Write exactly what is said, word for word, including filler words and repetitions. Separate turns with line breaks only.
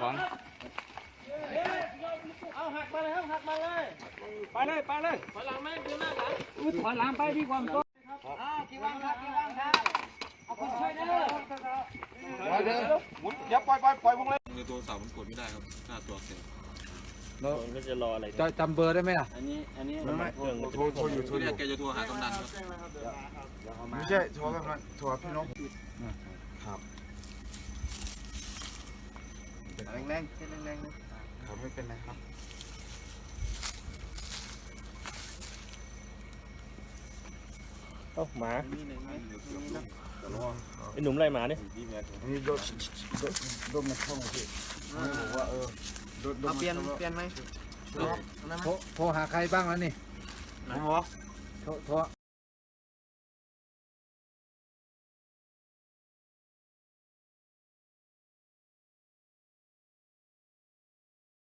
ของ
เอาหักมาเลยครับหักมาเลยไปเลยไปเลยถอยหลังไหมเดี๋ยวหน้าหลังถอยหลังไปดีกว่าก็อ้าวกี่วังครับกี่วังครับเอาคนช่วยเด้อเดี๋ยวหมุนอย่าปล่อยปล่อยปล่อยวงเลย
ในตัวเสามันกดไม่ได้ครับหน้าตัวเสีย
เราก็จะรออะไร
จะจำเบอร์ได้ไหมล่ะ
อันนี้อันนี้
ไม่ไม่โทรโทรอยู่โทรอยู่
แกจะโทรหากำนันครับ
ไม่ใช่โทรแบบนั้นโทรพี่น้องครับแรงแรงแรงแรงครับไม่เป็นไรครับเอ้าหมาไอ้หนุ่มไล่หมาดินี่โดนโดนมาเข้ามาพี่บอกว่าเออเปลี่ยนเปลี่ยนไหม
โทรโทรหาใครบ้างแล้วนี่
ไหนวะ
โทรโทร